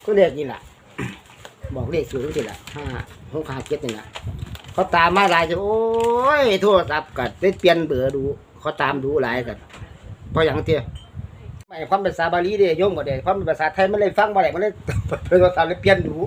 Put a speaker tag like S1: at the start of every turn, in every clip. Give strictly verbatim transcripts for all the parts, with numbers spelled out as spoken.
S1: ก็เลขนี่แหละ บอกเลขสูตรนี่แหละห้าหกห้าเจ็ดนี่แหละเขาตามมาหลายจะโอ้ยโทรศัพท์กัดได้เปลี่ยนเบอร์ดูเขาตามดูหลายกันเพราะอย่างเตี้ยไม่ความภาษาบาลีเด้โยมก็ได้ความภาษาไทยมันเลยฟังบ่ได้มันเลยโทรศัพท์เลยเปลี่ยนดู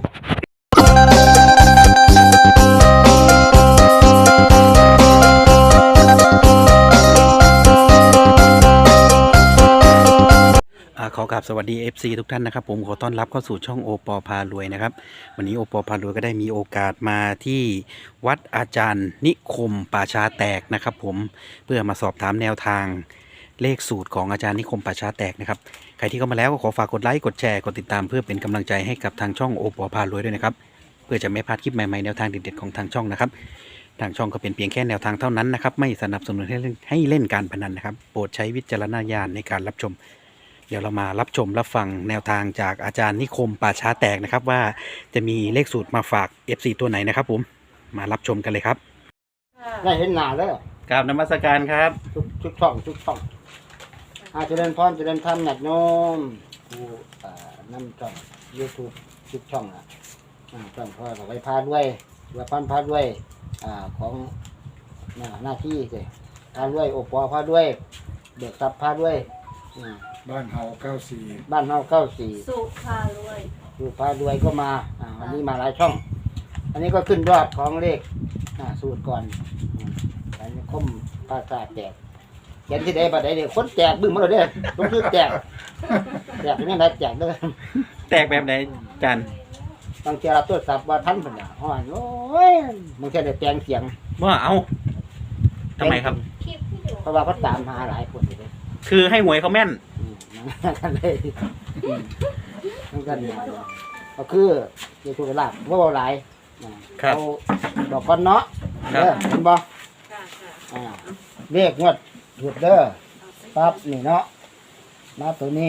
S2: ขอกราบสวัสดี เอฟ ซี ทุกท่านนะครับผมขอต้อนรับเข้าสู่ช่องโอปอพารวยนะครับวันนี้โอปอพารวยก็ได้มีโอกาสมาที่วัดอาจารย์นิคมป่าช้าแตกนะครับผมเพื่อมาสอบถามแนวทางเลขสูตรของอาจารย์นิคมป่าช้าแตกนะครับใครที่เข้ามาแล้วก็ขอฝากกดไลค์กดแชร์กดติดตามเพื่อเป็นกำลังใจให้กับทางช่องโอปอพารวยด้วยนะครับเพื่อจะไม่พลาดคลิปใหม่ๆแนวทางเด็ดๆของทางช่องนะครับทางช่องก็เป็นเพียงแค่แนวทางเท่านั้นนะครับไม่สนับสนุนให้เล่นให้เล่นการพนันนะครับโปรดใช้วิจารณญาณในการรับชมเดี๋ยวเรามารับชมรับฟังแนวทางจากอาจารย์นิคมป่าช้าแตกนะครับว่าจะมีเลขสูตรมาฝาก เอฟ ซี ตัวไหนนะครับผมมารับชมกันเลยครับ
S1: ได้เห็นหน้าแล้ว
S2: กราบนมัสการครับ
S1: ทุกทุกช่องทุกช่องอาเจริญพรเจริญธรรมหนักโยมผู้อ่านำช่องยูทูบทุกช่องอ่ะอ่าช่องพ่อเราไปพาด้วยว่าพันพาด้วยอ่าของหน้าหน้าที่เลยพาด้วยโอปอพาด้วยเด็กซับพาด้วยอ่า
S3: บ้านเฮาเก้าสี่
S1: บ้านเฮาเก้าสี่
S4: สุภารวย
S1: ดูพารวยก็มาอ่าวันนี้มาหลายช่อง อันนี้ก็ขึ้นยอดของเลขอ่าสูตรก่อนอืมอันนี้คมภาษาแตกเขียนที่ใดบัดใดเดี๋ยวคนแจกบึ้งมาเลยเด้อต้องซื้อแจกแจกเป็นยังไงแจกเด้อ
S2: แตกแบบไหนอาจารย์
S1: บางทีเราตรวจสอบว่าท่านเป็นอย่างห้อยโอ้ยบางทีได้แปลงเสียง
S2: ว่าเอาทำไมครับ
S4: คลิปที่อยู่
S1: เพราะว่าเขาตามหาหลายคนเลย
S2: คือให้หวยเขาแม่น
S1: อืมนั่นกันเลยอืมนั่นกันเลยก็คือเกี่ยวกับลาบว่าหลายอ่า
S2: ครับ
S1: เอาดอกก้อนเนาะ
S2: ครับ
S1: เด้อเห็นบ่
S4: ค่ะค่ะ
S1: อ่าเลขงวดหยุดเด้อปั๊บนี่เนาะมาตัวนี้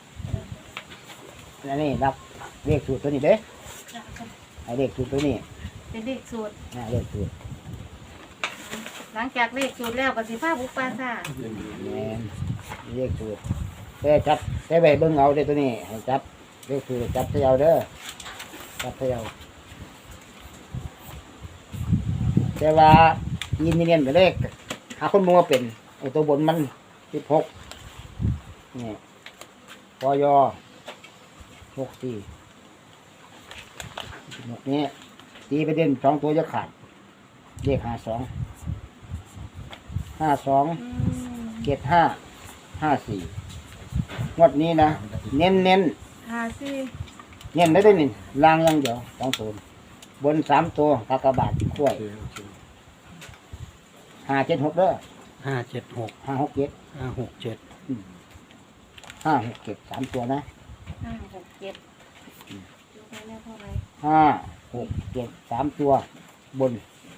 S1: อันนี้นับเลขสูตรตัวนี้เด้ไอเลขสูตรตัวนี้
S4: เป็นเลขสูตร
S1: อ่าเลขสูตร
S4: หลังจากเลขสูตรแล้วก็สิพาบุกปราสาท
S1: แม่นเลขสูตรแต่จับแต่ไปเบิ่งเอาเด้อตัวนี้ให้จับเลขสูตรจับเสียเอาเด้อจับเสียเอาแต่ว่ายินเนียนๆไปเลขหาคนมัวเป็นไอตัวบนมันสิบหกนี่ปอยอหกสี่หกนี้ตีไปเด่นสองตัวจะขาดเลขห้าสองห้าสอง
S4: อืม
S1: เจ็ดห้าห้าสี่งวดนี้นะเน้นเน้น
S4: หาสิ
S1: เน้นได้ได้หนึ่งล่างอยังเดียวสองตัวบนสามตัวกากบาทกล้วย
S3: โอเคโอเค
S1: ห้าเจ็ดหกเด้อ
S2: ห้าเจ็ดหก
S1: ห้าหกเจ็ด
S2: ห้าหกเจ็ด
S1: ห้าหกเจ็ดสามตัวนะ
S4: ห้าหกเจ็ดดูไปแล้วเท่าไหร่
S1: ห้าหกเจ็ดสามตัวบน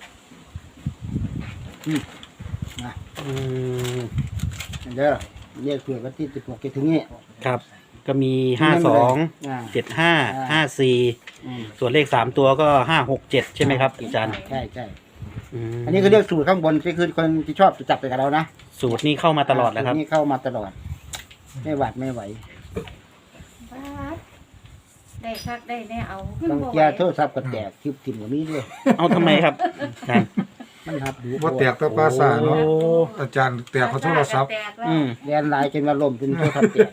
S1: อืมนะ
S2: อืม
S1: เด้อเรียกเผื่อวันที่สิบหกจะถึงนี้
S2: ครับก็มีห้าสอง
S1: อ่า
S2: เจ็ดห้าห้าสี่
S1: อืม
S2: ส่วนเลขสามตัวก็ห้าหกเจ็ดใช่ไหมครับอาจารย์
S1: ใช่ใช่
S2: อืม
S1: อันนี้คือเรียกสูตรข้างบนที่คือคนที่ชอบจะจับไปกับเรานะ
S2: สูตรนี้เข้ามาตลอดแล้วครับ
S1: สูตนี่เข้ามาตลอด ไม่หวัดไม่ไหว
S4: บาดได้คักได้แน่เอาขึ้น
S1: บาง
S4: บ่
S1: เกีย
S4: ไหว
S1: โทรศัพท์ก็แตกคลิปถิ่มกับนี้ด้วย
S2: เอาทำไมครับอาจารย์
S1: มันหับดู
S3: ว่าแตกตะปราสาทเนาะ
S2: โอ้
S3: อาจารย์แตกเขาโทรศัพท์
S4: แตกแล้ว
S2: อืม
S1: เรียนหลายจนว่าลมจนโทรศัพท์แตก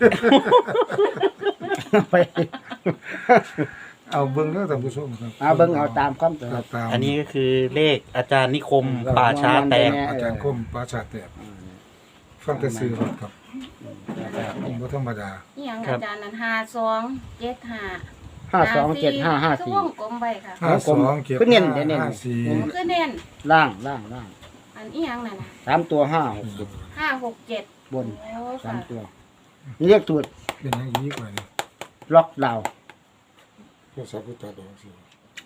S1: ไป
S3: เอาเบิ้งเด้อท่านผู้ชมครับ
S1: เอาเบิ่งเอาตามความตัว
S3: ครับตาม
S2: อันนี้ก็คือเลขอาจารย์นิคมป่าช้าแตก
S3: อาจารย์คมปราชาแตกฟังแต่ซื้อรถครับผมบ่ธรรมดา
S4: อีหยัง
S2: ครับ
S4: อาจารย์นั้นห้าสองเจ็ดห้า
S1: ห้าสองเจ็ดห้าห้า
S4: คือ
S1: สี่
S4: วงกลมไปค่ะ
S3: ห้าสองเก็บ
S1: ก็เน้นเน้น
S3: ห้าสี่
S4: มันคือเน้น
S1: ล่างล่างล่าง
S4: อันอีหยังนั่นน่ะ
S1: สามตัวห้าหกเจ็ด
S4: ห้าหกเจ็ด
S1: บน
S4: โอ้
S1: สาม
S4: ค่ะ
S1: ตัวนี่เรียกสูตร
S3: เป็นอยังนี้กว่านี่
S1: ล็อกดาวน์
S3: โทรศัพท์ก็ตัดออกสิ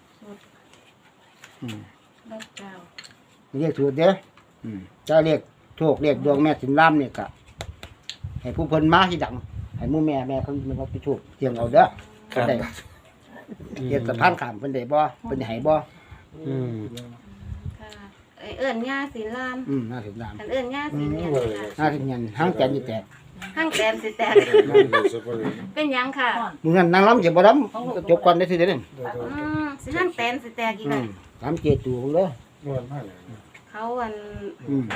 S1: อืม
S4: เลิกเจ้า
S1: นี่เรียกสูตรเด้ออืมเจ้าเรียกโชคเรียกดวงแม่สินล่ามเนี่ยกะให้ผู้เพิ่นมาที่ดังให้หมู่แม่แม่เขามันเอาไปถูกเสียงเอาเด้อ
S2: ครับ
S1: ได้เฮ็ดสะพานข้ามเพิ่นได้บ่เพิ่นให้บ่
S2: อืม
S4: ค่ะเอ้ยเอิ้นย่าสิลาม
S1: อืมน่าสินลาม
S4: อันเอิ้นย่าสิเนี่ยค่ะ
S1: น่าสิเงินห้างแกนอยู่แตก
S4: ห้างแตนสิแตกเป็นหยังค่ะ
S1: มึงงั้นนางล้ำเจ็บบ่ล้ำจบก่อนได้ทีเดียวนี่
S4: อืมสิห้างแตนสิแตกอีก
S1: อื
S4: อ่ะ
S1: มล้ำเจ็ดตัวเลย
S3: นวลมากเลย
S4: เขาอัน
S1: อืม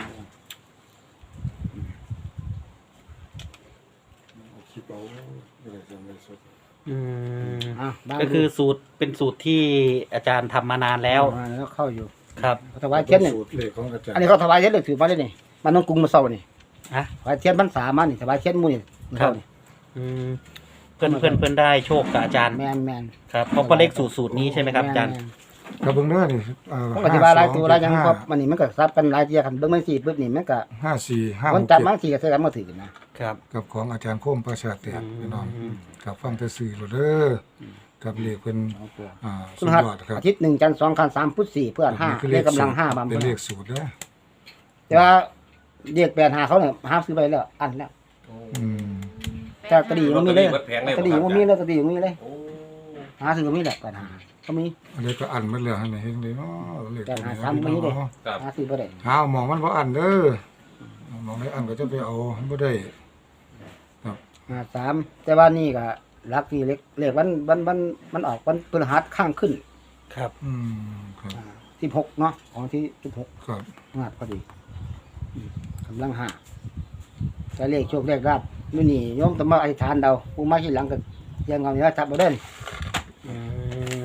S3: คิดเอาอะไรจะไม่สด
S2: อืม
S1: อ่ะบ้าง
S2: ก็คือสูตรเป็นสูตรที่อาจารย์ทำมานานแล้ว
S1: อ่าแล้วเข้าอยู่
S2: ครับ
S1: เขาถวายเทียนนี่
S3: สูตรเลขของอาจารย์
S1: อันนี้เขาถวายเทียนเลยถือมาได้นี่มันต้องกรุงมาเศร้านี่
S2: ฮะ
S1: ถวายเทียนพรรษามานี่ถวายเทียนหมู่นี่มื้อเช้านี่
S2: อืมเพื่อนเพื่อนเพื่อนได้โชคกับอาจารย์
S1: แม่นแม่น
S2: ครับเพราะก็เลขสูตรสูตรนี้ใช่ไหมครับอาจารย์
S1: แม่น
S3: กับเบิ้งเด้อนี่เอ่อ
S1: ต้องอธิบายหลายตัวหลายอย่างเพราะมันนี่มันก็ซับกันหลายเที่ยกันเบิ่งมันสิปึ๊บนี่มันก็
S3: ห้าสี่ห้าห
S1: มัน
S3: ก
S1: จับ
S3: เจ็ด
S1: บางทีก็ใส่กันมาถือกันนะครับ
S3: กับของอาจารย์โคมประชาแตก
S2: อืม
S3: พี่น้องกับฟังแต่สื่อโลดเด้อกับเลขเป็นอ่า
S1: คุ
S3: สุ
S1: ณ
S3: ด
S1: หัด
S3: ยอดครับ
S1: อาทิตย์หนึ่งจันทร์สองคันสามพุธสี่เพื่อนห้า
S3: นี่คือ
S1: เลขกำลัง
S3: สูตร
S1: ห้าบำ
S3: เป็น
S1: เพ็ญ
S3: เลขสูตรเด้อ
S1: แต่ว่าเรียกแปดหาเขาเนี่ยห้ามซื้อไปแล้วอันแล้ว
S3: อืม
S1: แต่กระดี่มันมีเลย
S5: ลอตเตอรี่เบิดแผงเลย
S1: กระดี่มันมีเลยกระดี่มันมีเลย
S5: โอ้
S1: หาซื้อก็มีแหละแปดหาก็มี
S3: อันนี้ก็อันหมันแล้วให้เห็นเลยเนาะเลข
S1: แต่
S3: ตัว
S1: หา
S3: นี้
S1: ซ้ำไม่ได้
S3: เนาะ
S5: ครับ
S1: หาซื้อบ่ได้
S3: หาหมองมันบ่อันเด้อหมองไหนอันก็จะไปเอาบ่ได้
S1: หาสามแต่ว่านี่ก็รักที่เล็กเลขวันวันวันมันออกวันพฤหัสข้างขึ้น
S2: ครับ
S3: อืมครับ
S1: สิบหกเนาะของที่สิบหก
S3: ครับ
S1: งาดพอดีอืมกำลังห้าแต่เลขโชคเลขราบมื้อนี้โยมต้องมาอธิษฐานเดาผู้มาที่หลังก็ยังเอาเนี่ยจับบ่ได้
S2: อืม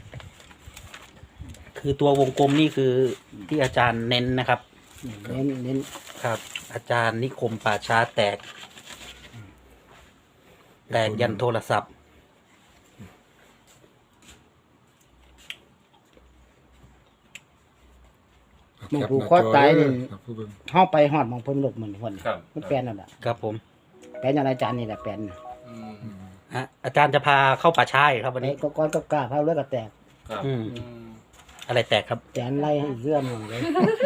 S2: คือตัววงกลมนี่คือที่อาจารย์เน้นนะครับ
S1: เน้นเน้น
S2: ครับ อาจารย์นิคมป่าช้าแตก แตกยันโทรศัพท์
S1: หมองผูกคอตายนี่
S3: ครับผู้เบิ่ง
S1: เฮาไปฮอดหมองเพิ่นหลบเหมือนคน
S5: ครับ
S1: มันแปลนนั่นแหละ
S2: ครับผม
S1: แปลนอย่างอาจารย์นี่แหละแปลน
S5: อืม
S3: อืม
S2: ฮะอาจารย์จะพาเข้าป่าช้าอีกครับวัน
S1: ไอ้
S2: นี้
S1: ก็ก้อนก็กล้าพาเลือดก็แตก
S5: ครับ
S2: อืม
S5: อืม
S2: อะไรแตกครับ
S1: แจนไล่ให้เรื่องหมดเลย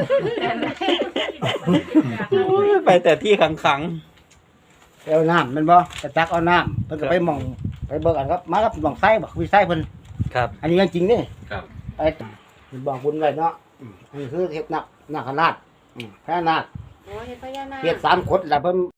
S2: ไปแต่ที่ขังขัง
S1: ไปเอาน้ำแมันบ่ไปตักเอาน้ำเพิ่นก็ไปหมองไปเบิกอันครับมากับหมองไส้บอกวิไส้เพิ่น
S2: ๆครับ
S1: อันนี้เรื่องจริงนี่
S5: ครับ
S1: ไปบอกบุญไว้เนาะอืมอันนี้คือเฮ็ดนักนาคราชอืมพระนาค
S4: โอ้ยพญานาค
S1: เฮ็ดสามขดแล้วเพิ่น